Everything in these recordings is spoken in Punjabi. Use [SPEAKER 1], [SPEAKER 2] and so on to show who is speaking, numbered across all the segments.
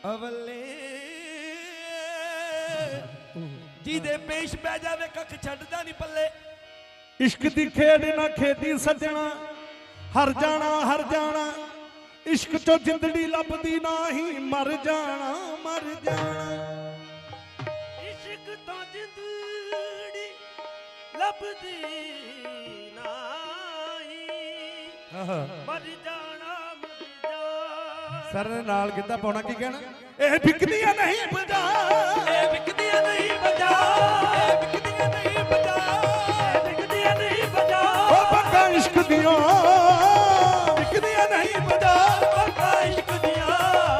[SPEAKER 1] अवले जिदे पेश पै जावे कख छड्डदा नहीं पल्ले।
[SPEAKER 2] इश्क दी खेड ना खेदी सजना हर जाना इश्क चो जिंदड़ी लभदी ना ही मर जाना
[SPEAKER 1] इश्क तो जिंदड़ी लभदी नाही मर जाना
[SPEAKER 2] सर ने नाल किता पाउणा की कहना ए बिकदियां नहीं बजा
[SPEAKER 1] ए बिकदियां नहीं बजा ए बिकदियां नहीं बजा ए बिकदियां नहीं बजा
[SPEAKER 2] ओ बंगा इश्क दियां बिकदियां नहीं बजा
[SPEAKER 1] बंगा इश्क दियां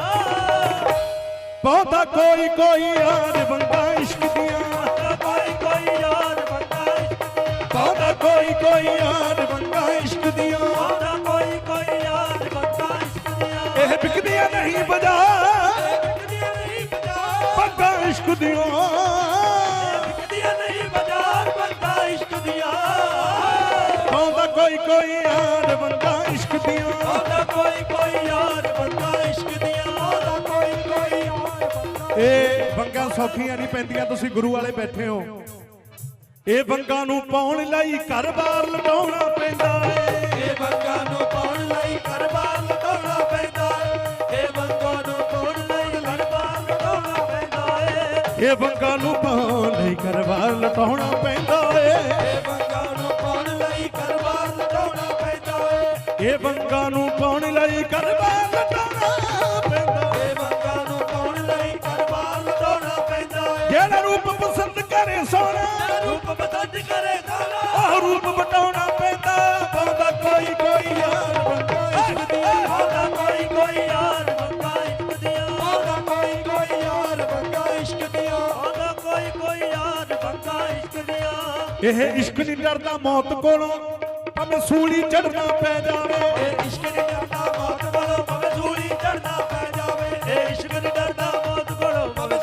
[SPEAKER 2] बहुता कोई यार बंगा इश्क दियां
[SPEAKER 1] कोई यार बंगा इश्क
[SPEAKER 2] बहुता कोई यार बंगा इश्क दियां
[SPEAKER 1] कोई यार बंगा इश्क दियां
[SPEAKER 2] ए बिकदियां नहीं बजा
[SPEAKER 1] बिकदियां नहीं बजा
[SPEAKER 2] बंगा इश्क दियां
[SPEAKER 1] बिकदियां नहीं बजा बंगा इश्क दियां
[SPEAKER 2] बहुता कोई यार बंगा इश्क दियां
[SPEAKER 1] कोई यार बंगा इश्क दियां कोई यार बंगा
[SPEAKER 2] ਇਹ ਵੰਗਾਂ ਸੌਖੀਆਂ ਨਹੀਂ ਪੈਂਦੀਆਂ ਤੁਸੀਂ ਗੁਰੂ ਵਾਲੇ ਬੈਠੇ ਹੋ ਇਹ ਵੰਗਾਂ ਨੂੰ ਪਾਉਣ ਲਈ ਘਰ-ਬਾਰ ਲਟਾਉਣਾ ਪੈਂਦਾ ਏ
[SPEAKER 1] ਇਹ ਵੰਗਾਂ ਨੂੰ ਪਾਉਣ ਲਈ ਘਰ-ਬਾਰ ਲਟਾਉਣਾ ਪੈਂਦਾ ਏ ਇਹ ਵੰਗਾਂ ਨੂੰ ਪਾਉਣ ਲਈ ਘਰ-ਬਾਰ ਲਟਾਉਣਾ ਪੈਂਦਾ ਏ
[SPEAKER 2] ਇਹ ਵੰਗਾਂ ਨੂੰ ਪਾਉਣ ਲਈ ਘਰ-ਬਾਰ ਲਟਾਉਣਾ ਪੈਂਦਾ ਏ
[SPEAKER 1] ਇਹ ਵੰਗਾਂ ਨੂੰ ਪਾਉਣ ਲਈ ਘਰ-ਬਾਰ ਲਟਾਉਣਾ ਪੈਂਦਾ ਏ
[SPEAKER 2] ਇਹ ਵੰਗਾਂ ਨੂੰ ਪਾਉਣ ਲਈ ਘਰ-ਬਾਰ ਲਟਾਉਣਾ ਪੈਂਦਾ
[SPEAKER 1] ਇਹ ਵੰਗਾਂ ਨੂੰ ਪਾਉਣ ਲਈ ਘਰ-ਬਾਰ ਲਟਾਉਣਾ ਪੈਂਦਾ ਏ
[SPEAKER 2] ਜਿਹੜਾ ਰੂਪ ਪਸੰਦ ਕਰੇ ਸੋਹਣਾ
[SPEAKER 1] ਰੂਪ ਪਸੰਦ ਕਰੇ ਦਾਣਾ
[SPEAKER 2] ਉਹ ਰੂਪ ਵਟਾਉਣਾ ਪੈਂਦਾ ਪਾਉਂਦਾ ਕੋਈ ਯਾਰ ਬੰਗਾ ਇਸ਼ਕ ਦੀਆਂ
[SPEAKER 1] ਆਉਂਦਾ ਕੋਈ ਯਾਰ ਬੰਗਾ ਇਸ਼ਕ ਦੀਆਂ ਆਉਂਦਾ ਕੋਈ ਯਾਰ ਬੰਗਾ ਇਸ਼ਕ ਦੀਆਂ ਆਉਂਦਾ ਕੋਈ ਯਾਰ ਬੰਗਾ ਇਸ਼ਕ ਦੀਆਂ
[SPEAKER 2] ਇਹ ਇਸ਼ਕ ਨਹੀਂ ਡਰਦਾ ਮੌਤ ਕੋਲੋਂ ਭਾਵੇਂ ਸੂਲੀ ਚੜਨਾ ਪੈ ਜਾਵੇ
[SPEAKER 1] ਇਹ ਇਸ਼ਕ ਨਹੀਂ ਡਰਦਾ ਮੌਤ ਕੋਲੋਂ ਭਾਵੇਂ ਸੂਲੀ ਚੜਨਾ ਪੈ ਜਾਵੇ ਇਹ ਇਸ਼ਕ ਨਹੀਂ ਡਰਦਾ ਮੌਤ ਕੋਲੋਂ ਭਾਵੇਂ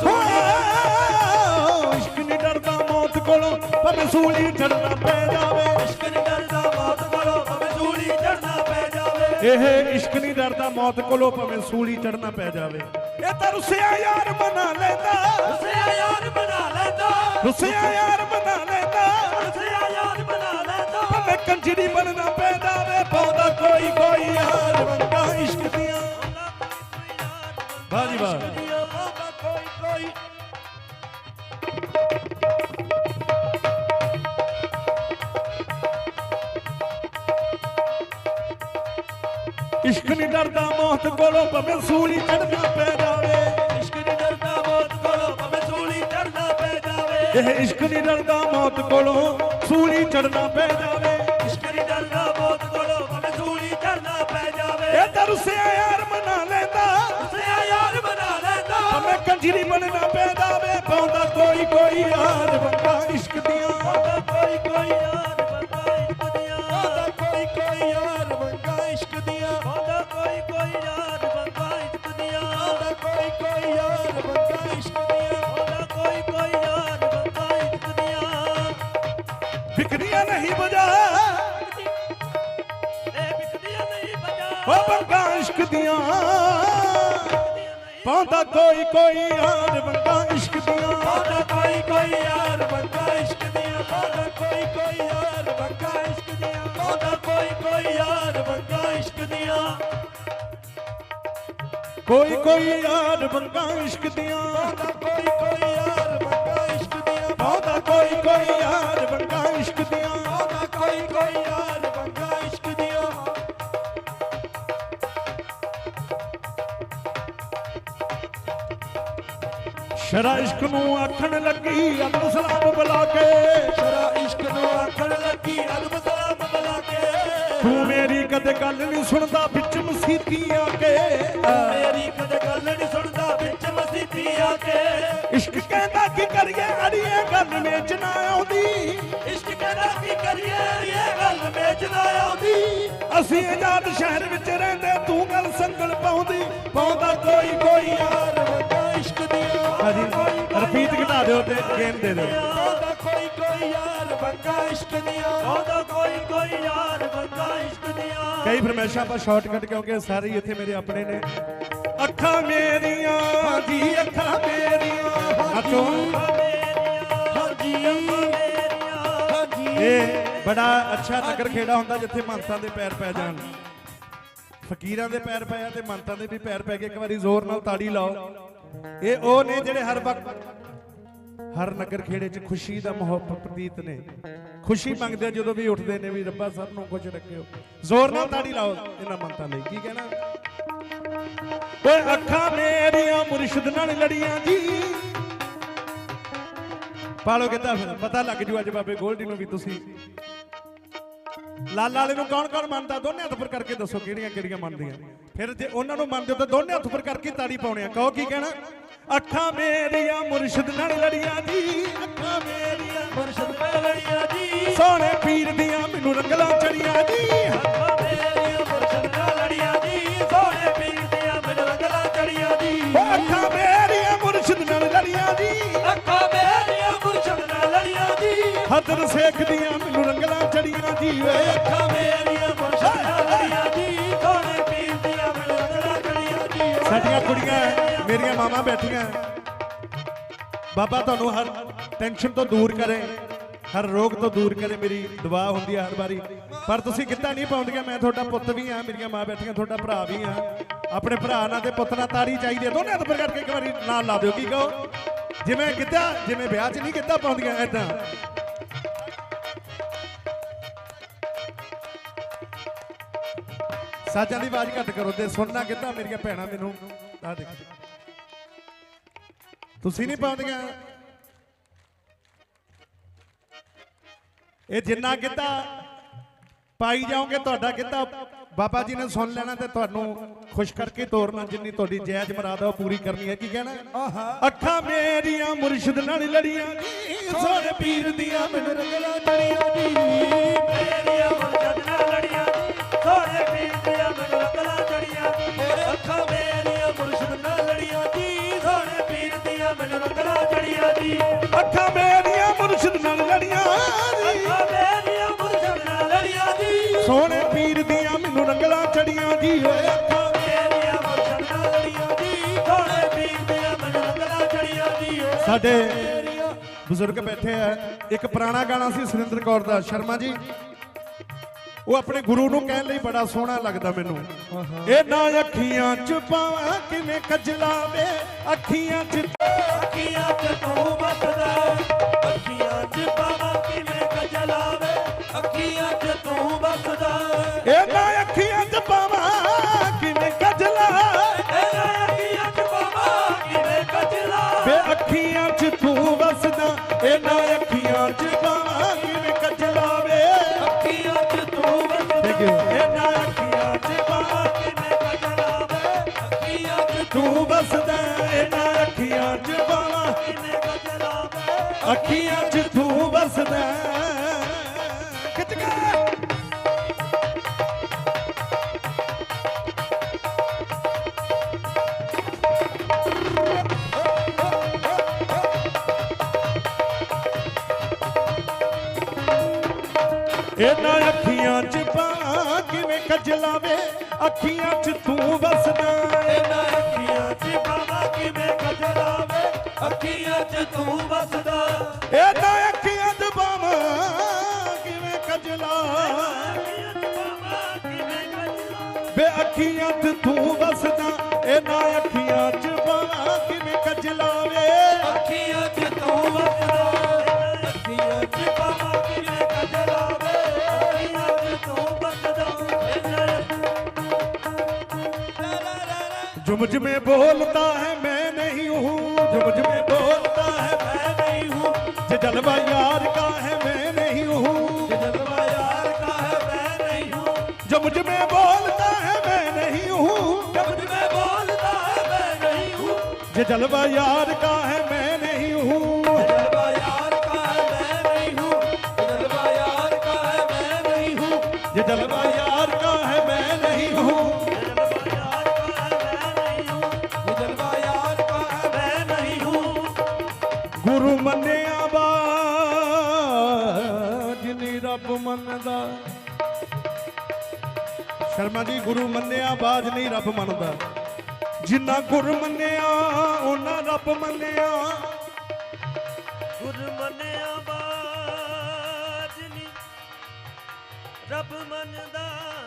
[SPEAKER 2] ਇਸ਼ਕ ਨਹੀਂ ਡਰਦਾ ਮੌਤ ਕੋਲੋਂ ਭਾਵੇਂ ਸੂਲੀ ਚੜਨਾ ਪੈ ਜਾਵੇ
[SPEAKER 1] ਇਸ਼ਕ ਨਹੀਂ ਡਰਦਾ ਮੌਤ ਕੋਲੋਂ ਭਾਵੇਂ ਸੂਲੀ ਚੜਨਾ ਪੈ ਜਾਵੇ
[SPEAKER 2] ਇਹ ਇਸ਼ਕ ਨਹੀਂ ਡਰਦਾ ਮੌਤ ਕੋਲੋਂ ਭਾਵੇਂ ਸੂਲੀ ਚੜਨਾ ਪੈ ਜਾਵੇ ਇਹ ਤਾਂ ਰੁੱਸਿਆ ਯਾਰ ਬਣਾ ਲੈਂਦਾ
[SPEAKER 1] ਰੁੱਸਿਆ ਯਾਰ ਬਣਾ ਲੈਂਦਾ
[SPEAKER 2] ਰੁੱਸਿਆ ਯਾਰ ਬਣਾ ਲੈਂਦਾ
[SPEAKER 1] ਰੁੱਸਿਆ ਯਾਰ ਬਣਾ ਲੈਂਦਾ
[SPEAKER 2] ਭਾਵੇਂ ਕੰਜਰੀ ਬਣਨਾ ਪੈ ਜਾਵੇ ਪਾਉਂਦਾ ਕੋਈ ਯਾਰ ਬੰਗਾ ਇਸ਼ਕ ਦੀਆਂ ਵਾਹ ਜੀ ਵਾਹ
[SPEAKER 1] ਕੋਈ
[SPEAKER 2] ਇਸ਼ਕ ਨਹੀਂ ਡਰਦਾ ਮੌਤ ਕੋਲੋਂ ਭਾਵੇਂ ਸੂਲੀ ਚੜਨਾ ਪੈ ਜਾਵੇ
[SPEAKER 1] ਇਸ਼ਕ ਨਹੀਂ ਡਰਦਾ ਮੌਤ ਕੋਲੋਂ ਭਾਵੇਂ ਸੂਲੀ ਚੜਨਾ ਪੈ ਜਾਵੇ
[SPEAKER 2] ਇਹ ਇਸ਼ਕ ਨਹੀਂ ਡਰਦਾ ਮੌਤ ਕੋਲੋਂ ਸੂਲੀ ਚੜਨਾ ਪੈ ਜਾਵੇ
[SPEAKER 1] ਇਸ਼ਕ ਨਹੀਂ ਡਰਦਾ ਮੌਤ ਕੋਲੋਂ ਭਾਵੇਂ ਸੂਲੀ ਚੜਨਾ ਪੈ ਜਾਵੇ
[SPEAKER 2] ਇਹ ਤਾਂ ਰੁੱਸਿਆ ਯਾਰ ਬਣਾ ਲੈਂਦਾ
[SPEAKER 1] ਰੁੱਸਿਆ ਯਾਰ ਬਣਾ ਲੈਂਦਾ
[SPEAKER 2] ਭਾਵੇਂ ਕੰਜਰੀ ਬਣਨਾ ਪੈ ਜਾਵੇ ਪਾਉਂਦਾ ਕੋਈ ਯਾਰ ਬੰਗਾ ਇਸ਼ਕ ਦੀਆਂ
[SPEAKER 1] ਆਉਂਦਾ ਕੋਈ ਯਾਰ ਬੰਗਾ ਇਸ਼ਕ ਦੀਆਂ ਆਉਂਦਾ ਕੋਈ ਯਾਰ ਬੰਗਾ ਇਸ਼ਕ ਦੀਆਂ ਆਉਂਦਾ ਕੋਈ ਯਾਰ ਬੰਗਾ ਇਸ਼ਕ ਦੀਆਂ ਆਉਂਦਾ ਕੋਈ ਯਾਰ ਬੰਗਾ ਇਸ਼ਕ ਦੀਆਂ ਆਉਂਦਾ ਕੋਈ ਯਾਰ ਬੰਗਾ ਇਸ਼ਕ ਦੀਆਂ
[SPEAKER 2] ਵਿਕਦੀਆਂ ਨਹੀਂ ਬਜਾ
[SPEAKER 1] ਇਹ ਵਿਕਦੀਆਂ ਨਹੀਂ ਬਜਾ
[SPEAKER 2] ਉਹ ਬੰਗਾ ਇਸ਼ਕ ਦੀਆਂ ਪਾਉਂਦਾ ਕੋਈ ਯਾਰ ਬੰਗਾ ਇਸ਼ਕ ਦੀਆਂ
[SPEAKER 1] ਆਉਂਦਾ ਕੋਈ ਯਾਰ ਬੰਗਾ ਇਸ਼ਕ ਦੀਆਂ ਆਉਂਦਾ ਕੋਈ ਯਾਰ ਬੰਗਾ ਇਸ਼ਕ ਦੀਆਂ ਆਉਂਦਾ ਕੋਈ ਯਾਰ ਬੰਗਾ ਇਸ਼ਕ ਦੀਆਂ
[SPEAKER 2] ਕੋਈ ਯਾਰ ਬੰਗਾ ਇਸ਼ਕ ਦੀਆਂ
[SPEAKER 1] ਆਉਂਦਾ ਕੋਈ ਯਾਰ ਬੰਗਾ ਇਸ਼ਕ ਦੀਆਂ
[SPEAKER 2] ਪਾਉਂਦਾ ਕੋਈ ਯਾਰ ਬੰਗਾ ਇਸ਼ਕ ਦੀਆਂ
[SPEAKER 1] ਆਉਂਦਾ ਕੋਈ ਯਾਰ ਬੰਗਾ ਇਸ਼ਕ ਦੀਆਂ
[SPEAKER 2] ਸ਼ਰਾ ਇਸ਼ਕ ਨੂੰ ਆਖਣ ਲੱਗੀ ਅਬਦੁਲ ਸਲਾਮ ਬੁਲਾ ਕੇ
[SPEAKER 1] ਸ਼ਰਾ ਇਸ਼ਕ ਨੂੰ ਆਖਣ ਲੱਗੀ ਅਦਬ ਸਲਾਮ ਬੁਲਾ ਕੇ
[SPEAKER 2] ਤੂੰ ਮੇਰੀ ਕਦੇ ਗੱਲ ਨਹੀਂ ਸੁਣਦਾ ਵਿੱਚ ਮਸੀਤੀ ਆ ਕੇ
[SPEAKER 1] ਮੇਰੀ ਕਦੇ ਗੱਲ ਨਹੀਂ ਸੁਣਦਾ ਵਿੱਚ ਮਸੀਤੀ ਆ ਕੇ
[SPEAKER 2] ਇਸ਼ਕ ਕਹਿੰਦਾ ਕੀ ਕਰੀਏ ਅੜੀਏ ਗੱਲ ਵਿੱਚ ਨਾ ਆਉਂਦੀ
[SPEAKER 1] ਇਸ਼ਕ ਕਹਿੰਦਾ ਕੀ ਕਰੀਏ ਇਹ ਗੱਲ ਵਿੱਚ ਨਾ ਆਉਂਦੀ
[SPEAKER 2] ਅਸੀਂ ਆਜ਼ਾਦ ਸ਼ਹਿਰ ਵਿੱਚ ਰਹਿੰਦੇ ਤੂੰ ਗੱਲ ਸੰਗਲ ਪਾਉਂਦਾ ਕੋਈ ਯਾਰ
[SPEAKER 1] ਬੰਗਾ ਇਸ਼ਕ ਦੀਆਂ
[SPEAKER 2] ਹਾਂਜੀ ਰਿਪੀਟ ਘਟਾ ਦਿਓ ਤੇ ਗੇਮ ਦੇ ਦਿਓ
[SPEAKER 1] ਆਉਂਦਾ ਕੋਈ ਯਾਰ ਬੰਗਾ ਇਸ਼ਕ ਦੀਆਂ ਆਉਂਦਾ ਕੋਈ ਯਾਰ ਬੰਗਾ ਇਸ਼ਕ ਦੀਆਂ
[SPEAKER 2] ਕਈ ਫਰਮਾਇਸ਼ਾਂ ਆਪਾਂ ਸ਼ਾਰਟਕਟ ਕਿਉਂਕਿ ਸਾਰੇ ਹੀ ਇੱਥੇ ਮੇਰੇ ਆਪਣੇ ਨੇ ਅੱਖਾਂ ਮੇਰੀਆਂ ਇਹ ਬੜਾ ਅੱਛਾ ਨਗਰ ਖੇੜਾ ਹੁੰਦਾ ਜਿੱਥੇ ਮੰਤਾਂ ਦੇ ਪੈਰ ਪੈ ਜਾਣ। ਫਕੀਰਾਂ ਦੇ ਪੈਰ ਪਏ ਆ ਤੇ ਮੰਤਾਂ ਦੇ ਵੀ ਪੈਰ ਪੈ ਗਏ। ਇੱਕ ਵਾਰੀ ਜ਼ੋਰ ਨਾਲ ਤਾੜੀ ਲਾਓ। ਇਹ ਉਹ ਨੇ ਜਿਹੜੇ ਹਰ ਵਕਤ ਹਰ ਨਗਰ ਖੇੜੇ 'ਚ ਖੁਸ਼ੀ ਦਾ ਮਾਹੌਲ ਪ੍ਰਤੀਤ ਨੇ। ਖੁਸ਼ੀ ਮੰਗਦੇ ਆ ਜਦੋਂ ਵੀ ਉੱਠਦੇ ਨੇ ਵੀ ਰੱਬਾ ਸਭ ਨੂੰ ਖੁਸ਼ ਰੱਖਿਓ। ਜ਼ੋਰ ਨਾਲ ਤਾੜੀ ਲਾਓ ਇਹਨਾਂ ਮੰਤਾਂ ਲਈ। ਕੀ ਕਹਿਣਾ? ਓਏ ਅੱਖਾਂ ਮੇਰੀਆਂ ਮੁਰਸ਼ਿਦ ਨਾਲ ਲੜੀਆਂ ਜੀ। ਪਾਲੋ ਕਿੱਦਾਂ ਫਿਰ ਪਤਾ ਲੱਗ ਜੂ ਅੱਜ ਬਾਬੇ ਗੋਲਡੀ ਨੂੰ ਵੀ ਤੁਸੀਂ ਲਾਲਾ ਵਾਲੇ ਨੂੰ ਕੌਣ ਕੌਣ ਮੰਨਦਾ। ਦੋਨੇ ਹੱਥ ਉੱਪਰ ਕਰਕੇ ਦੱਸੋ ਕਿਹੜੀਆਂ ਕਿਹੜੀਆਂ ਮੰਨਦੀਆਂ। ਫਿਰ ਜੇ ਉਹਨਾਂ ਨੂੰ ਮੰਨਦੇ ਹੋ ਤਾਂ ਦੋਨੇ ਹੱਥ ਉੱਪਰ ਕਰਕੇ ਤਾੜੀ ਪਾਉਣੇ ਆ। ਕਹੋ ਕੀ ਕਹਿਣਾ? ਅੱਖਾਂ ਮੇਰੀਆਂ ਮੁਰਸ਼ਿਦ ਨਾਲ ਲੜੀਆਂ ਜੀ। ਅੱਖਾਂ ਮੇਰੀਆਂ
[SPEAKER 1] ਮੁਰਸ਼ਿਦ ਨਾਲ ਲੜੀਆਂ ਜੀ।
[SPEAKER 2] ਸੋਹਣੇ ਪੀਰ ਦੀਆਂ ਮੈਨੂੰ ਰੰਗਲਾਂ ਚੜੀਆਂ ਜੀ।
[SPEAKER 1] ਅੱਖਾਂ ਮੇਰੀਆਂ ਮੁਰਸ਼ਿਦ ਨਾਲ ਲੜੀਆਂ ਜੀ। ਸੋਹਣੇ ਪੀਰ ਦੀਆਂ ਮੈਨੂੰ ਰੰਗਲਾਂ ਚੜੀਆਂ ਜੀ।
[SPEAKER 2] ਅੱਖਾਂ ਮੇਰੀਆਂ ਮੁਰਸ਼ਿਦ ਨਾਲ ਲੜੀਆਂ ਜੀ।
[SPEAKER 1] ਅੱਖਾਂ ਮੇਰੀਆਂ ਮੁਰਸ਼ਿਦ ਨਾਲ ਲੜੀਆਂ ਜੀ।
[SPEAKER 2] ਹਦਰ ਸੇਖ ਦੀਆਂ ਮੈਨੂੰ ਰੰਗਲਾਂ ਚੜੀਆਂ ਜੀ। ਓਏ
[SPEAKER 1] ਅੱਖਾਂ ਮੇਰੀਆਂ ਮੁਰਸ਼ਿਦ ਨਾਲ ਲੜੀਆਂ ਜੀ। ਸੋਹਣੇ ਪੀਰ ਦੀਆਂ ਮੈਨੂੰ ਰੰਗਲਾਂ ਚੜੀਆਂ ਜੀ।
[SPEAKER 2] ਸਾਡੀਆਂ ਕੁੜੀਆਂ ਮੇਰੀਆਂ ਮਾਵਾਂ ਬੈਠੀਆਂ। ਬਾਬਾ ਤੁਹਾਨੂੰ ਹਰ ਟੈਨਸ਼ਨ ਤੋਂ ਦੂਰ ਕਰੇ, ਹਰ ਰੋਗ ਤੋਂ ਦੂਰ ਕਰੇ, ਮੇਰੀ ਦੁਆ ਹੁੰਦੀ ਹੈ ਹਰ ਵਾਰੀ। ਪਰ ਤੁਸੀਂ ਗਿੱਧਾ ਨਹੀਂ ਪਾਉਂਦੀਆਂ। ਮੈਂ ਤੁਹਾਡਾ ਪੁੱਤ ਵੀ ਹਾਂ, ਮੇਰੀਆਂ ਮਾਂ ਬੈਠੀਆਂ, ਤੁਹਾਡਾ ਭਰਾ ਵੀ ਹਾਂ। ਆਪਣੇ ਭਰਾ ਨਾਲ ਤੇ ਪੁੱਤ ਨਾਲ ਤਾੜੀ ਚਾਹੀਦੀ ਹੈ। ਦੋਨੇ ਹੱਥ ਉੱਪਰ ਕਰਕੇ ਇੱਕ ਵਾਰੀ ਨਾਲ ਲਾ ਦਿਓ। ਕੀ ਕਹੋ? ਜਿਵੇਂ ਗਿੱਧਾ, ਜਿਵੇਂ ਵਿਆਹ 'ਚ ਨਹੀਂ ਗਿੱਧਾ ਪਾਉਂਦੀਆਂ ਏਦਾਂ। ਸਾਜਾਂ ਦੀ ਆਵਾਜ਼ ਘੱਟ ਕਰੋ ਤੇ ਸੁਣਨਾ ਗਿੱਧਾ ਮੇਰੀਆਂ ਭੈਣਾਂ ਮੈਨੂੰ। ਆ ਦੇਖੋ ਤੁਸੀਂ ਨਹੀਂ ਪਾਉਂਦੀਆਂ। ਇਹ ਜਿੰਨਾ ਗਿੱਧਾ ਪਾਈ ਜਾਓਗੇ ਤੁਹਾਡਾ ਗਿੱਧਾ ਬਾਬਾ ਜੀ ਨੇ ਸੁਣ ਲੈਣਾ ਤੇ ਤੁਹਾਨੂੰ ਖੁਸ਼ ਕਰਕੇ ਤੋਰਨਾ। ਜਿੰਨੀ ਤੁਹਾਡੀ ਜਾਇਜ਼ ਮੁਰਾਦ ਆ ਉਹ ਪੂਰੀ ਕਰਨੀ ਹੈ। ਕੀ ਕਹਿਣਾ? ਅੱਖਾਂ ਮੇਰੀਆਂ ਮੁਰਸ਼ਿਦ ਨਾਲ ਲੜੀਆਂ ਜੀ। ਸੋਹਣੇ ਪੀਰ ਦੀਆਂ ਮੈਨੂੰ ਰੰਗਲਾਂ ਚੜੀਆਂ ਜੀ।
[SPEAKER 1] ਮੇਰੀਆਂ ਮੁਰਸ਼ਿਦ ਨਾਲ ਲੜੀਆਂ ਜੀ। ਸੋਹਣੇ ਪੀਰ ਦੀਆਂ ਮੈਨੂੰ ਰੰਗਲਾਂ ਚੜੀਆਂ ਜੀ। ਅੱਖਾਂ ਮੇਰੀਆਂ ਮੁਰਸ਼ਿਦ ਨਾਲ ਲੜੀਆਂ ਜੀ। ਸੋਹਣੇ ਪੀਰ ਦੀਆਂ ਮੈਨੂੰ ਰੰਗਲਾਂ ਚੜੀਆਂ ਜੀ।
[SPEAKER 2] ਅੱਖਾਂ ਮੇਰੀਆਂ ਮੁਰਸ਼ਿਦ ਨਾਲ ਲੜੀਆਂ ਜੀ।
[SPEAKER 1] ਅੱਖਾਂ ਮੇਰੀਆਂ ਮੁਰਸ਼ਿਦ ਨਾਲ ਲੜੀਆਂ ਜੀ।
[SPEAKER 2] ਸੋਹਣੇ ਪੀਰ ਦੀਆਂ ਮੈਨੂੰ ਰੰਗਲਾਂ ਚੜੀਆਂ ਜੀ। ਓਏ ਅੱਖਾਂ
[SPEAKER 1] ਮੇਰੀਆਂ ਮੁਰਸ਼ਿਦ ਨਾਲ ਲੜੀਆਂ ਜੀ। ਸੋਹਣੇ ਪੀਰ ਦੀਆਂ ਮੈਨੂੰ ਰੰਗਲਾਂ ਚੜੀਆਂ ਜੀ।
[SPEAKER 2] ਸਾਡੇ ਬਜ਼ੁਰਗ ਬੈਠੇ ਆ। ਇੱਕ ਪੁਰਾਣਾ ਗਾਣਾ ਸੀ ਸੁਰਿੰਦਰ ਕੌਰ ਦਾ, ਸ਼ਰਮਾ ਜੀ। ਉਹ ਆਪਣੇ ਗੁਰੂ ਨੂੰ ਕਹਿਣ ਲਈ ਬੜਾ ਸੋਹਣਾ ਲੱਗਦਾ ਮੈਨੂੰ। ਇਹ ਨਾ ਅੱਖੀਆਂ 'ਚ ਪਾਵਾਂ ਕਿਵੇਂ ਕਜਲਾ ਵੇ। ਅੱਖੀਆਂ 'ਚ
[SPEAKER 1] ਅੱਖੀਆਂ 'ਚ ਤੂੰ ਵਸਦਾ। ਅੱਖੀਆਂ 'ਚ ਪਾਵਾਂ ਕਿਵੇਂ ਕਜਲਾ ਵੇ। ਅੱਖੀਆਂ 'ਚ ਤੂੰ ਵਸਦਾ।
[SPEAKER 2] ਇਹ ਨਾ ਅੱਖੀਆਂ 'ਚ ਪਾਵਾਂ ਕਿਵੇਂ ਕਜਲਾ।
[SPEAKER 1] ਇਹਨਾਂ ਅੱਖੀਆਂ 'ਚ ਪਾਵਾਂ ਕਿਵੇਂ ਕਜਲਾ
[SPEAKER 2] ਵੇ ਅੱਖੀਆਂ 'ਚ ਤੂੰ ਵਸਦਾ। ਇਹ ਨਾ ਅੱਖੀਆਂ 'ਚ ਪਾਵਾਂ ਕਿਵੇਂ ਕਜਲਾ ਵੇ।
[SPEAKER 1] ਅੱਖੀਆਂ 'ਚ ਤੂੰ ਵਸਦਾ।
[SPEAKER 2] ਇਹ ਨਾ ਅੱਖੀਆਂ 'ਚ ਪਾਵਾਂ
[SPEAKER 1] ਕਿਵੇਂ ਕਜਲਾ ਵੇ। ਅੱਖੀਆਂ 'ਚ
[SPEAKER 2] ਤੂੰ ਵਸਦਾ। ਇਹ ਨਾ ਅੱਖੀਆਂ 'ਚ ਪਾਵਾਂ
[SPEAKER 1] ਕਿਵੇਂ ਕਜਲਾ ਵੇ।
[SPEAKER 2] ਅੱਖੀਆਂ 'ਚ ਤੂੰ ਵਸਦਾ। ਖਿੱਚ ਕੇ ਇਹਨਾਂ ਅੱਖੀਆਂ 'ਚ ਪਾਵਾਂ ਕਿਵੇਂ ਕਜਲਾ ਵੇ। ਅੱਖੀਆਂ 'ਚ ਤੂੰ ਵਸਦਾ।
[SPEAKER 1] ਇਹਨਾਂ ਅੱਖੀਆਂ 'ਚ ਪਾਵਾਂ ਕਿਵੇਂ ਕਜਲਾ ਵੇ। ਅੱਖੀਆਂ 'ਚ ਤੂੰ ਵਸਦਾ।
[SPEAKER 2] ਇਹਨਾਂ ਅੱਖੀਆਂ 'ਚ ਪਾਵਾਂ ਕਿਵੇਂ ਕਜਲਾ ਵੇ। ਅੱਖੀਆਂ 'ਚ ਤੂੰ ਵਸਦਾ। ਇਹਨਾਂ ਅੱਖੀਆਂ 'ਚ ਪਾਵਾਂ ਕਿਵੇਂ ਕਜਲਾ ਵੇ।
[SPEAKER 1] ਅੱਖੀਆਂ 'ਚ ਤੂੰ ਵਸਦਾ। ਅੱਖੀਆਂ 'ਚ ਪਾਵਾਂ ਕਿਵੇਂ ਕਜਲਾ ਵੇ। ਅੱਖੀਆਂ 'ਚ ਤੂੰ ਵਸਦਾ।
[SPEAKER 2] जुमझ में बोलता है मैं नहीं हूँ। जुमझ में बोलता है
[SPEAKER 1] मैं नहीं हूँ।
[SPEAKER 2] ये जलवा यार का है मैं नहीं हूँ।
[SPEAKER 1] जलवा यार का है मैं नहीं हूँ।
[SPEAKER 2] जो मुझ में बोलता है मैं नहीं हूँ।
[SPEAKER 1] जब मैं बोलता है मैं नहीं हूँ।
[SPEAKER 2] ये जलवा यार का है मैं नहीं हूँ।
[SPEAKER 1] जलवा यार का है मैं नहीं हूँ। जलवा यार का है मैं नहीं हूँ।
[SPEAKER 2] ये जलवा यार का है मैं नहीं हूँ।
[SPEAKER 1] जलवा यार का है मैं नहीं हूँ।
[SPEAKER 2] गुरु मन्निया बाज नी रब मनदा। शर्मा जी गुरु मन्निया बाज नहीं रब मनदा। जिन्ना गुरु मन्निया उन्ना रब मन्निया।
[SPEAKER 1] गुरु मन्निया बाज नी ਰੱਬ ਮੰਨਦਾ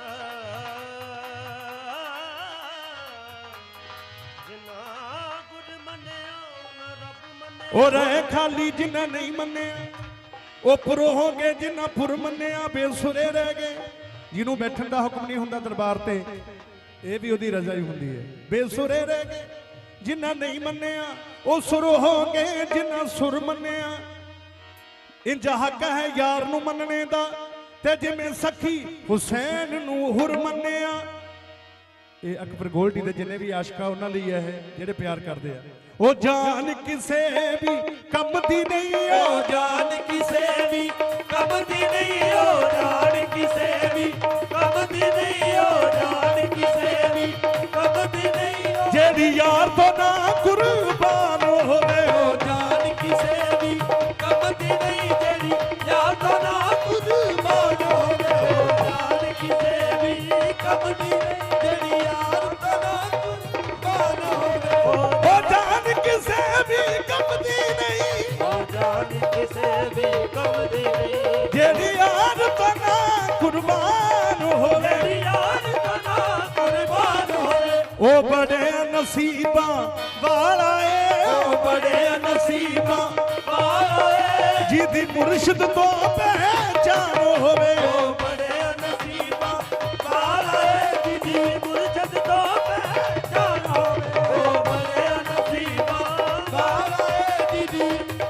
[SPEAKER 1] ਜਿਨ੍ਹਾਂ ਗੁਰ ਮੰਨਿਆ ਉਹਨਾਂ ਰੱਬ ਮੰਨਿਆ।
[SPEAKER 2] ਉਹ ਰਹੇ ਖਾਲੀ ਜਿਨ੍ਹਾਂ ਨਹੀਂ ਮੰਨਿਆ, ਉਹ ਪੁਰ ਹੋ ਗਏ ਜਿਨ੍ਹਾਂ ਪੁਰ ਮੰਨਿਆ ਬੇਸੁਰੇ ਰਹਿ ਗਏ। ਜਿਹਨੂੰ ਬੈਠਣ ਦਾ ਹੁਕਮ ਨਹੀਂ ਹੁੰਦਾ ਦਰਬਾਰ ਤੇ, ਇਹ ਵੀ ਉਹਦੀ ਰਜ਼ਾ ਹੀ ਹੁੰਦੀ ਹੈ। ਬੇਸੁਰੇ ਰਹਿ ਗਏ ਜਿਨ੍ਹਾਂ ਨਹੀਂ ਮੰਨਿਆ, ਉਹ ਸੁਰ ਹੋ ਗਏ ਜਿਨ੍ਹਾਂ ਸੁਰ ਮੰਨਿਆ। ਇੰਜ ਹੱਕ ਹੈ ਯਾਰ ਨੂੰ ਮੰਨਣੇ ਦਾ, ਤੇ ਜਿਵੇਂ ਸਖੀ ਹੁਸੈਨ ਨੂੰ ਹੁਰ ਮੰਨਿਆ। ਇਹ ਅਕਬਰ ਗੋਲਡੀ ਦੇ ਜਿੰਨੇ ਵੀ ਆਸ਼ਕਾ ਉਹਨਾਂ ਲਈ ਹੈ ਇਹ, ਜਿਹੜੇ ਪਿਆਰ ਕਰਦੇ ਆ। ਉਹ ਜਾਨ ਕਿਸੇ ਵੀ ਕੰਮ ਦੀ ਨਹੀਂ,
[SPEAKER 1] ਉਹ ਜਾਨ ਕਿਸੇ ਵੀ ਕੰਮ ਦੀ ਨਹੀਂ, ਉਹ ਜਾਨ ਕਿਸੇ ਵੀ ਕੰਮ ਦੀ ਨਹੀਂ, ਉਹ ਜਾਨ ਕਿਸੇ ਵੀ ਕੰਮ ਦੀ ਨਹੀਂ।
[SPEAKER 2] ਜਿਹੜੀ ਯਾਰ ਤੋਂ ਨਾ ਕੁਰਬਾਨ ਹੋਵੇ,
[SPEAKER 1] ਉਹ ਜਾਨ ਕਿਸੇ ਵੀ ਕੰਮ ਦੀ ਨਹੀਂ, ਜਿਹੜੀ ਯਾਰ ਤੋਂ ਨਾ ਕੁਰਬਾਨ ਹੋਵੇ। ਉਹ ਜਾਨ ਕਿਸੇ ਵੀ ਕੰਮ ਦੀ ਨਹੀਂ, ਜਿਹੜੀ ਯਾਰ ਤੋਂ ਨਾ ਕੁਰਬਾਨ ਹੋਵੇ।
[SPEAKER 2] ਉਹ ਜਾਨ ਕਿਸੇ ਵੀ ਕੰਮ ਦੀ ਨਹੀਂ,
[SPEAKER 1] ਉਹ ਜਾਨ ਕਿਸੇ ਵੀ ਕੰਮ ਦੀ ਨਹੀਂ,
[SPEAKER 2] ਜਿਹੜੀ ਯਾਰ ਤੋਂ ਨਾ ਕੁਰਬਾਨ ਹੋਵੇ।
[SPEAKER 1] ਜਿਹੜੀ ਯਾਰ ਤੋਂ ਨਾ ਕੁਰਬਾਨ ਹੋਵੇ।
[SPEAKER 2] ਉਹ ਬੜੇ ਨਸੀਬਾਂ ਵਾਲਾ ਏ,
[SPEAKER 1] ਉਹ ਬੜੇ ਨਸੀਬਾਂ ਵਾਲਾ ਏ,
[SPEAKER 2] ਜਿਹਦੀ ਮੁਰਸ਼ਿਦ ਤੋਂ ਪਹਿਚਾਨ ਹੋਵੇ।
[SPEAKER 1] ਉਹ ਬੜੇ ਨਸੀਬਾਂ ਵਾਲਾ ਏ, ਜਿਹਦੀ ਮੁਰਸ਼ਿਦ ਤੋਂ ਪਹਿਚਾਨ ਹੋਵੇ। ਉਹ ਬੜੇ ਨਸੀਬਾਂ ਵਾਲਾ ਏ, ਜਿਹਦੀ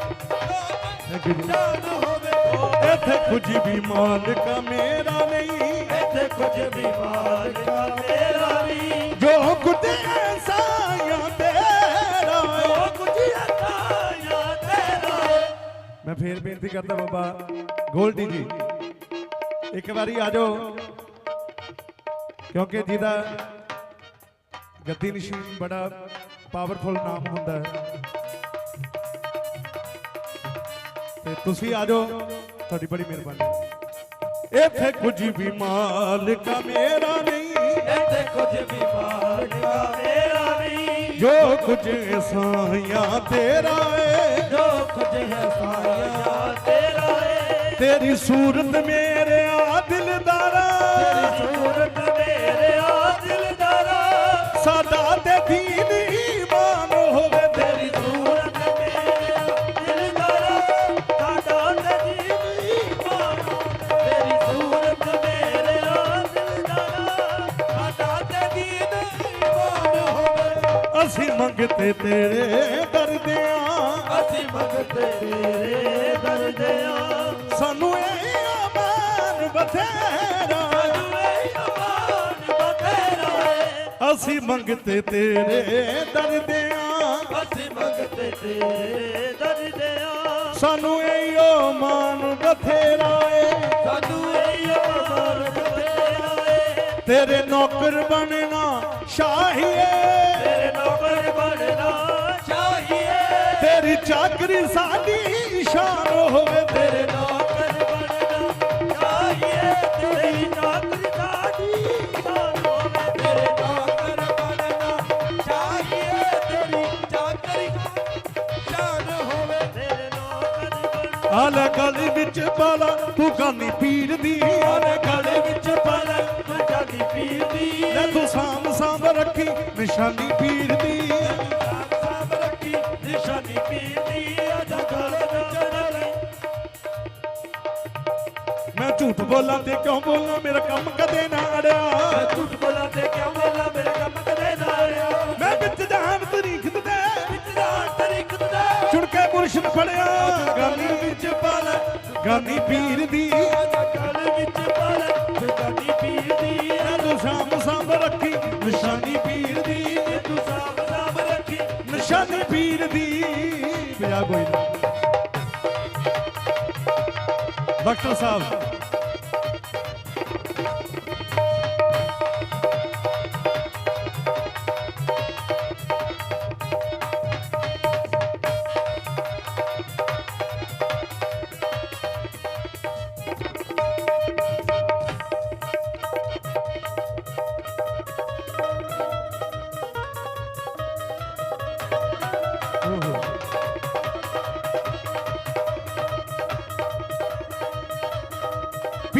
[SPEAKER 1] ਪਹਿਚਾਨ ਹੋਵੇ।
[SPEAKER 2] ਇੱਥੇ ਕੁਝ ਵੀ ਮਾਲਕ ਮੇਰਾ ਨਹੀਂ,
[SPEAKER 1] ਇੱਥੇ ਕੁਝ ਵੀ ਮਾਲਕ ਮੇਰਾ ਨਹੀਂ,
[SPEAKER 2] ਜੋ ਕੁਝ ਸਾਇਆ ਤੇਰਾ ਏ।
[SPEAKER 1] ਜੋ ਕੁਝ ਅਤਾਇਆ ਤੇਰਾ ਏ।
[SPEAKER 2] ਮੈਂ ਫੇਰ ਬੇਨਤੀ ਕਰਦਾ ਬਾਬਾ ਗੋਲਡੀ ਜੀ, ਇੱਕ ਵਾਰੀ ਆ ਜਾਓ, ਕਿਉਂਕਿ ਜਿਹਦਾ ਗੱਦੀ ਨਸ਼ੀਨ ਬੜਾ ਪਾਵਰਫੁਲ ਨਾਮ ਹੁੰਦਾ ਹੈ, ਤੇ ਤੁਸੀਂ ਆ ਜਾਓ, ਤੁਹਾਡੀ ਬੜੀ ਮਿਹਰਬਾਨੀ। ਇੱਥੇ ਕੁਝ ਵੀ ਮਾਲਕ ਮੇਰਾ ਨਹੀਂ,
[SPEAKER 1] ਇੱਥੇ ਕੁਝ ਵੀ ਮਾਲਕ ਮੇਰਾ ਨਹੀਂ,
[SPEAKER 2] ਜੋ ਕੁਝ ਸਾਇਆ ਤੇਰਾ ਏ।
[SPEAKER 1] ਜੋ ਕੁਝ ਹੈ ਸਾਇਆ ਤੇਰਾ ਏ।
[SPEAKER 2] ਤੇਰੀ ਸੂਰਤ ਮੇਰੇ ਆ ਦਿਲਦਾਰਾ,
[SPEAKER 1] ਤੇਰੀ ਸੂਰਤ ਮੇਰੇ ਆ ਦਿਲਦਾਰਾ,
[SPEAKER 2] ਸਾਡਾ ਤੇ ਦੀਨ ਈਮਾਨ ਹੋਵੇ।
[SPEAKER 1] ਤੇਰੀ ਸੂਰਤ ਮੇਰੇ ਆ ਦਿਲਦਾਰਾ, ਸਾਡਾ ਤੇ ਦੀਨ ਈਮਾਨ ਹੋਵੇ। ਤੇਰੀ ਸੂਰਤ ਮੇਰੇ ਆ ਦਿਲਦਾਰਾ, ਸਾਡਾ ਤੇ ਦੀਨ ਈਮਾਨ ਹੋਵੇ।
[SPEAKER 2] ਅਸੀਂ ਮੰਗਤੇ ਤੇਰੇ ਦਰਦਿਆਂ,
[SPEAKER 1] ਅਸੀਂ ਮੰਗਤੇ ਤੇਰੇ ਦਰਦਿਆਂ,
[SPEAKER 2] ਸਾਨੂੰ ਇਹ ਅਮਾਨ ਬਥੇਰਾ।
[SPEAKER 1] ਸਾਨੂੰ ਇਹ ਅਮਾਨ ਬਥੇਰਾ ਏ।
[SPEAKER 2] ਅਸੀਂ ਮੰਗਤੇ ਤੇਰੇ ਦਰਦਿਆਂ,
[SPEAKER 1] ਅਸੀਂ ਮੰਗਤੇ ਤੇਰੇ ਦਰਦਿਆਂ,
[SPEAKER 2] ਸਾਨੂੰ ਇਹ ਅਮਾਨ ਬਥੇਰਾ ਏ।
[SPEAKER 1] ਸਾਨੂੰ ਇਹ ਅਮਾਨ ਬਥੇਰਾ ਏ।
[SPEAKER 2] ਤੇਰੇ ਨੌਕਰ ਬਣਨਾ ਸ਼ਾਹੀਏ,
[SPEAKER 1] ਤੇਰੇ ਨੌਕਰ ਬਣਨਾ ਚਾਹੀਏ।
[SPEAKER 2] ਤੇਰੀ ਚਾਕਰੀ ਸਾਡੀ ਸ਼ਾਨ ਹੋਵੇ।
[SPEAKER 1] ਤੇਰੇ ਨੌਕਰ ਬਣਨਾ ਚਾਹੀਏ। ਤੇਰੀ ਚਾਕਰੀ ਸਾਡੀ ਸ਼ਾਨ ਹੋਵੇ। ਤੇਰੇ ਨੌਕਰ ਬਣਨਾ ਚਾਹੀਏ। ਤੇਰੀ ਚਾਕਰੀ ਸ਼ਾਨ ਹੋਵੇ। ਤੇਰੇ ਨੌਕਰ ਬਣਨਾ
[SPEAKER 2] ਆਲੇ ਗਲੀ ਵਿੱਚ ਪਾਲਾ ਤੂੰ ਗਾਨੀ ਪੀਰ ਦੀ,
[SPEAKER 1] ਆਲੇ ਗਲੇ ਵਿੱਚ ਪਾਲਾ ਤੂੰ ਜਾਨੀ ਪੀਰ ਦੀ।
[SPEAKER 2] ਲੈ ਤੂੰ ਸਾਂਭ ਸਾਂਭ ਰੱਖੀ ਨਿਸ਼ਾਨੀ ਪੀਰ ਦੀ।
[SPEAKER 1] ਸਾਂਭ ਰੱਖੀ ਨਿਸ਼ਾਨੀ ਪੀਰ ਦੀ। ਆਜਾ ਗਲੇ ਵਿੱਚ ਰਲੇ।
[SPEAKER 2] ਮੈਂ ਝੂਠ ਬੋਲਾਂ ਤੇ ਕਿਉਂ ਬੋਲਾਂ, ਮੇਰਾ ਕੰਮ ਕਦੇ ਨਾ ਅੜਿਆ।
[SPEAKER 1] ਮੈਂ ਝੂਠ ਬੋਲਾਂ ਤੇ ਕਿਉਂ ਬੋਲਾਂ, ਮੇਰਾ ਕੰਮ ਕਦੇ ਨਾ ਅੜਿਆ।
[SPEAKER 2] ਮੈਂ ਵਿੱਚ ਜਾਨ ਤਰੀਕ ਦੇ
[SPEAKER 1] ਵਿੱਚ ਜਾਨ ਤਰੀਕ ਦੇ
[SPEAKER 2] ਚੁਣ ਕੇ ਮੁਰਸ਼ਿਦ ਫੜਿਆ, ਗਾਨੀ ਵਿੱਚ ਪਾਲਾ ਗਾਨੀ ਪੀਰ ਦੀ।
[SPEAKER 1] ਆਜਾ ਗਲੇ ਵਿੱਚ ਪਾਲਾ ਤੂੰ ਜਾਨੀ ਪੀਰ ਦੀ।
[SPEAKER 2] ਲੈ ਤੂੰ ਸਾਂਭ ਸਾਂਭ ਰੱਖੀ ਨਿਸ਼ਾਨੀ ਪੀਰ ਦੀ।
[SPEAKER 1] ਤੂੰ ਸਾਂਭ ਰੱਖੀ
[SPEAKER 2] ਨਿਸ਼ਾਨੀ ਪੀਰ ਦੀ। ਬਿਆ ਕੋਈ ਨਾ ਡਾਕਟਰ ਸਾਹਿਬ,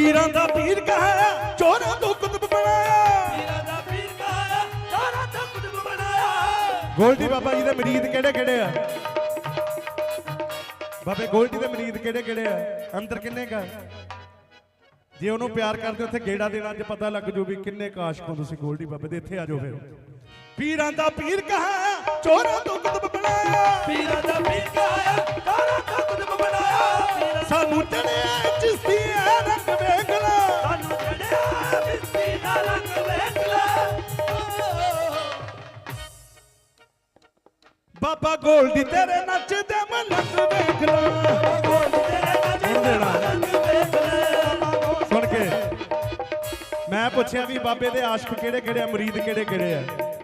[SPEAKER 2] ਪੀਰਾਂ ਦਾ ਪੀਰ ਕਹਾਇਆ ਚੋਰਾਂ ਤੋਂ ਕੁਤਬ ਬਣਾਇਆ
[SPEAKER 1] ਪੀਰਾਂ ਦਾ ਪੀਰ ਕਹਾਇਆ ਚੋਰਾਂ ਤੋਂ ਕੁਤਬ ਬਣਾਇਆ
[SPEAKER 2] ਗੋਲਡੀ ਬਾਬਾ ਜੀ ਦੇ ਮਰੀਦ ਕਿਹੜੇ ਕਿਹੜੇ ਆ ਬਾਬੇ ਗੋਲਡੀ ਦੇ ਮਰੀਦ ਕਿਹੜੇ ਕਿਹੜੇ ਆ ਅੰਦਰ ਕਿੰਨੇ ਕਾ ਜੇ ਉਹਨੂੰ ਪਿਆਰ ਕਰਦੇ ਉੱਥੇ ਗੇੜਾ ਦੇਣਾ ਅੱਜ ਪਤਾ ਲੱਗ ਜੂ ਵੀ ਕਿੰਨੇ ਕਾਸ਼ਕ ਹੋ ਤੁਸੀਂ ਗੋਲਡੀ ਬਾਬੇ ਦੇ ਇੱਥੇ ਆ ਜਾਓ ਫਿਰ ਪੀਰਾਂ ਦਾ ਪੀਰ ਕਹਾਇਆ ਚੋਰਾਂ ਤੋਂ ਕੁਤਬ ਬਣਾਇਆ
[SPEAKER 1] ਪੀਰਾਂ ਦਾ ਪੀਰ ਕਹਾਇਆ ਚੋਰਾਂ ਤੋਂ ਕੁਤਬ ਬਣਾਇਆ
[SPEAKER 2] ਸਾਨੂੰ ਚੜਿਆ ਚਿਸ਼ਤੀ ਰੰਗ ਵੇਖ ਲਾ
[SPEAKER 1] ਸਾਨੂੰ ਚੜਿਆ ਚਿਸ਼ਤੀ ਦਾ ਰੰਗ ਵੇਖ ਲੈ
[SPEAKER 2] ਬਾਬਾ ਗੋਲਡੀ ਤੇਰੇ ਨੱਚਦੇ ਮਲੰਗ ਵੇਖ ਲਾ ਸੁਣ ਕੇ ਮੈਂ ਪੁੱਛਿਆ ਵੀ ਬਾਬੇ ਦੇ ਆਸ਼ਕ ਕਿਹੜੇ ਕਿਹੜੇ ਆ ਮੁਰੀਦ ਕਿਹੜੇ ਕਿਹੜੇ ਆ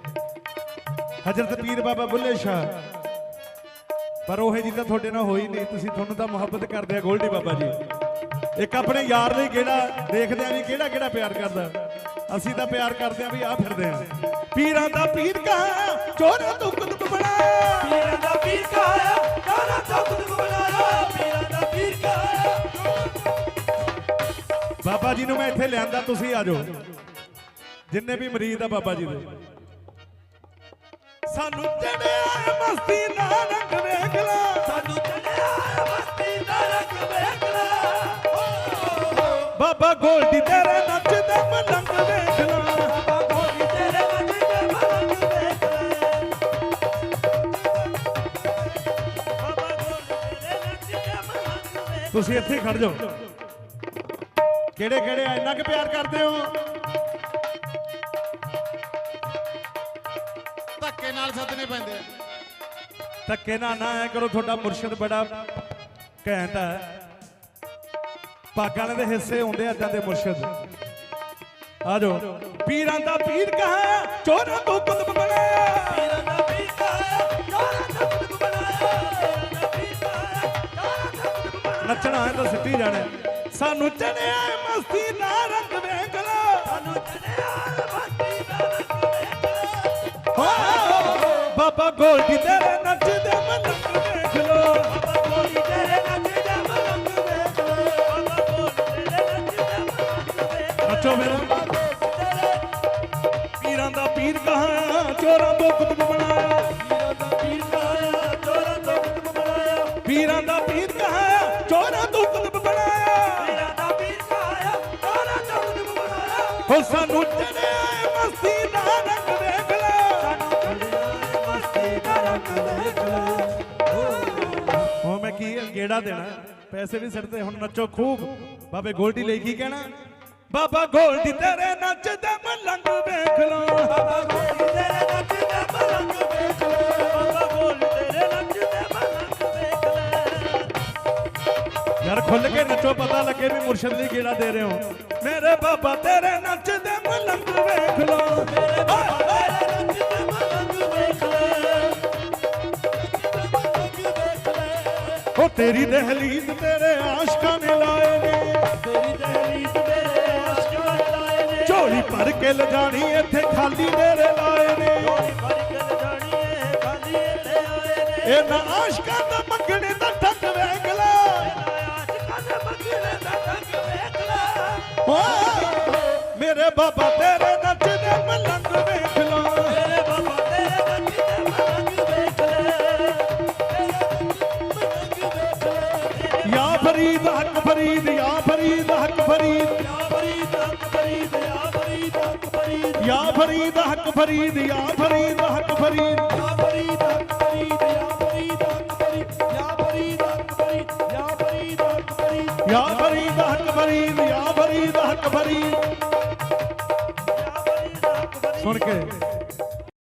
[SPEAKER 2] ਹਜ਼ਰਤ ਪੀਰ ਬਾਬਾ ਬੁੱਲੇ ਸ਼ਾਹ ਪਰ ਉਹ ਜੀ ਤਾਂ ਤੁਹਾਡੇ ਨਾਲ ਹੋਈ ਨਹੀਂ ਤੁਸੀਂ ਤੁਹਾਨੂੰ ਤਾਂ ਮੁਹੱਬਤ ਕਰਦੇ ਆ ਗੋਲਡੀ ਬਾਬਾ ਜੀ ਇੱਕ ਆਪਣੇ ਯਾਰ ਲਈ ਕਿਹੜਾ ਦੇਖਦੇ ਆ ਵੀ ਕਿਹੜਾ ਕਿਹੜਾ ਪਿਆਰ ਕਰਦਾ ਅਸੀਂ ਤਾਂ ਪਿਆਰ ਕਰਦੇ ਆ ਵੀ ਆ ਫਿਰਦੇ ਆ ਪੀਰਾਂ ਦਾ ਪੀਰ ਕਹਾ ਚੋਰਾਂ ਤੋਂ ਕੁਤਬ ਬਣਾਇਆ
[SPEAKER 1] ਪੀਰਾਂ ਦਾ ਪੀਰ ਕਹਾਇਆ ਚੋਰਾਂ ਤੋਂ ਕੁਤਬ ਬਣਾਇਆ ਪੀਰਾਂ ਦਾ ਪੀਰ ਕਹਾਇਆ
[SPEAKER 2] ਬਾਬਾ ਜੀ ਨੂੰ ਮੈਂ ਇੱਥੇ ਲਿਆਂਦਾ ਤੁਸੀਂ ਆ ਜਾਓ ਜਿੰਨੇ ਵੀ ਮਰੀਦ ਆ ਬਾਬਾ ਜੀ ਦੇ ਸਾਨੂੰ ਚੜਿਆ ਮਸਤੀ ਦਾ ਰੰਗ ਵੇਖ ਲਾ
[SPEAKER 1] ਸਾਨੂੰ ਚੜਿਆ ਮਸਤੀ ਦਾ ਰੰਗ ਵੇਖ ਲੈ
[SPEAKER 2] ਬਾਬਾ ਗੋਲਡੀ ਤੇਰੇ ਨੱਚਦੇ ਮਲੰਗ ਵੇਖ ਲਾ
[SPEAKER 1] ਬਾਬਾ ਗੋਲਡੀ ਤੇਰੇ ਨੱਚਦੇ ਮਲੰਗ ਵੇਖ ਲੈ ਬਾਬਾ ਗੋਲਡੀ ਤੇਰੇ ਨੱਚਦੇ ਮਲੰਗ ਵੇਖ
[SPEAKER 2] ਤੁਸੀਂ ਇੱਥੇ ਹੀ ਖੜ ਜਾਓ ਕਿਹੜੇ ਕਿਹੜੇ ਇੰਨਾ ਕਿ ਪਿਆਰ ਕਰਦੇ ਹੋ
[SPEAKER 3] ਧੱਕੇ ਨਾਲ ਸੱਦਣੇ ਪੈਂਦੇ ਆ
[SPEAKER 2] ਧੱਕੇ ਨਾ ਐ ਕਰੋ ਤੁਹਾਡਾ ਮੁਰਸ਼ਿਦ ਬੜਾ ਘੈਂਟ ਹੈ ਪਾਗਾਂ ਦੇ ਹਿੱਸੇ ਹੁੰਦੇ ਆ ਏਦਾਂ ਦੇ ਮੁਰਸ਼ਿਦ ਆ ਜਾਓ ਪੀਰਾਂ ਦਾ ਪੀਰ ਕਹਾ ਚੋਰਾਂ ਤੋਂ ਕੁਤਬ ਬਣਾਇਆ
[SPEAKER 1] ਪੀਰਾਂ ਦਾ ਪੀਰ ਕਹਾਇਆ ਚੋਰਾਂ ਤੋਂ ਕੁਤਬ ਬਣਾਇਆ ਪੀਰਾਂ ਦਾ ਪੀਰ ਕਹਾਇਆ ਚੋਰਾਂ ਤੋਂ ਕੁਤਬ ਬਣਾਇਆ
[SPEAKER 2] ਨੱਚਣਾ ਹੈ ਤਾਂ ਸਿੱਟੀ ਜਾਣਾ ਸਾਨੂੰ ਚੜਿਆ ਮਸਤੀ ਦਾ ਰੰਗ ਵੇਖ ਲਾ
[SPEAKER 1] ਸਾਨੂੰ ਚੜਿਆ ਮਸਤੀ ਦਾ ਰੰਗ ਵੇਖ ਲੈ
[SPEAKER 2] ਬਾਬਾ ਗੋਲਡੀ ਤੇਰੇ ਨੱਚਦੇ ਮਲੰਗ ਵੇਖ ਲੋ
[SPEAKER 1] ਬਾਬਾ ਗੋਲਡੀ ਤੇਰੇ ਨੱਚਦੇ ਮਲੰਗ ਵੇਖ ਲੈ ਬਾਬਾ ਗੋਲਡੀ ਤੇਰੇ ਨੱਚਦੇ ਮਲੰਗ ਵੇਖ ਲੈ
[SPEAKER 2] ਨੱਚੋ ਮੇਰਾ ਪੀਰਾਂ ਦਾ ਪੀਰ ਕਹਾ ਚੋਰਾਂ ਤੋਂ ਕੁਤਬ ਬਣਾਇਆ
[SPEAKER 1] ਪੀਰਾਂ ਦਾ ਪੀਰ ਕਹਾਇਆ ਚੋਰਾਂ ਤੋਂ ਕੁਤਬ ਬਣਾਇਆ
[SPEAKER 2] ਪੀਰਾਂ ਦਾ ਪੀਰ ਕਹਾ ਚੋਰਾਂ ਤੋਂ ਕੁਤਬ ਬਣਾਇਆ
[SPEAKER 1] ਪੀਰਾਂ ਦਾ ਪੀਰ ਕਹਾਇਆ ਚੋਰਾਂ ਤੋਂ ਕੁਤਬ ਬਣਾਇਆ
[SPEAKER 2] ਹੋ ਸਾਨੂੰ ਚੜਿਆ ਮਸਤੀ ਦਾ ਰੰਗ ਵੇਖ ਲੈ
[SPEAKER 1] ਸਾਨੂੰ ਚੜਿਆ ਮਸਤੀ ਦਾ ਰੰਗ ਵੇਖ ਲੈ
[SPEAKER 2] ਹੁਣ ਮੈਂ ਕੀ ਗੇੜਾ ਦੇਣਾ ਪੈਸੇ ਵੀ ਸਿਰ ਤੇ ਹੁਣ ਨੱਚੋ ਖੂਬ ਬਾਬੇ ਗੋਲਡੀ ਲਈ ਕੀ ਕਹਿਣਾ ਬਾਬਾ ਗੋਲਡੀ ਤੇਰੇ ਨੱਚਦੇ ਮਲੰਗ ਵੇਖ ਲੋ
[SPEAKER 1] ਬਾਬਾ ਗੋਲਡੀ ਤੇਰੇ ਨੱਚਦੇ ਮਲੰਗ ਵੇਖ ਲੈ ਬਾਬਾ ਗੋਲਡੀ ਤੇਰੇ ਨੱਚਦੇ ਮਲੰਗ ਵੇਖ ਲੈ
[SPEAKER 2] ਯਾਰ ਖੁੱਲ ਕੇ ਨੱਚੋ ਪਤਾ ਲੱਗੇ ਵੀ ਮੁਰਸ਼ਿਦ ਲਈ ਗੇੜਾ ਦੇ ਰਹੇ ਹੋ ਮੇਰੇ ਬਾਬਾ ਤੇਰੇ ਨੱਚਦੇ ਮਲੰਗ ਵੇਖ ਲੋ
[SPEAKER 1] ਮੇਰੇ ਬਾਬਾ ਤੇਰੇ ਨੱਚਦੇ ਮਲੰਗ ਵੇਖ ਲੈ
[SPEAKER 2] ਉਹ ਤੇਰੀ ਦਹਲੀਜ਼ ਤੇਰੇ ਆਸ਼ਕਾਂ ਨੇ ਲਾਏ ਨੇ
[SPEAKER 1] ਤੇਰੀ ਦਹਲੀਜ਼ ਮੇਰੇ ਆਸ਼ਕਾਂ ਨੇ ਲਾਏ ਨੇ
[SPEAKER 2] ਝੋਲੀ ਭਰ ਕੇ ਲਿਜਾਣੀ ਇੱਥੇ ਖਾਲੀ ਮੇਰੇ ਲਾਏ ਨੇ
[SPEAKER 1] ਝੋਲੀ ਭਰ ਕੇ ਲਿਜਾਣੀ ਇਹ ਖਾਲੀ ਇੱਥੇ ਆਏ ਨੇ
[SPEAKER 2] ਇਹਨਾਂ ਆਸ਼ਕਾਂ ਦਾ ਮੰਗਣੇ ਦਾ ਠੱਗ ਵੇਖ ਲੈ
[SPEAKER 1] ਆਸ਼ਕਾਂ ਦੇ ਮੰਗਣੇ ਦਾ ਢੰਗ ਵੇਖ ਲੈ
[SPEAKER 2] ਮੇਰੇ ਬਾਬਾ ਤੇਰੇ ਨੱਚਦੇ ਮਲੰਗ ਵੇਖ ਲੋ
[SPEAKER 1] ਮੇਰੇ ਬਾਬਾ ਤੇਰੇ ਨੱਚਦੇ ਮਲੰਗ ਵੇਖ ਲੈ
[SPEAKER 2] ਯਾ ਫਰੀਦ ਹੱਕ ਫਰੀਦ ਯਾ ਫਰੀਦ ਹੱਕ ਫਰੀਦ
[SPEAKER 1] ਯਾ ਫਰੀਦ ਹੱਕ ਫਰੀਦ ਯਾ ਫਰੀਦ ਹੱਕ ਫਰੀਦ
[SPEAKER 2] ਯਾ ਫਰੀਦ ਹੱਕ ਫਰੀਦ ਯਾ ਫਰੀਦ ਹੱਕ ਫਰੀਦ
[SPEAKER 1] ਯਾ ਫਰੀਦ ਹੱਕ ਫਰੀਦ ਯਾ ਫਰੀਦ ਹੱਕ ਫਰੀਦ ਯਾ ਫਰੀਦ ਹੱਕ ਫਰੀਦ ਯਾ ਫਰੀਦ ਹੱਕ ਫਰੀਦ
[SPEAKER 2] ਯਾ ਫਰੀਦ ਹੱਕ ਫਰੀਦ ਯਾ ਫਰੀਦ ਹੱਕ ਫਰੀਦ
[SPEAKER 1] ਯਾ ਫਰੀਦ ਹੱਕ ਫਰੀਦ
[SPEAKER 2] ਸੁਣ ਕੇ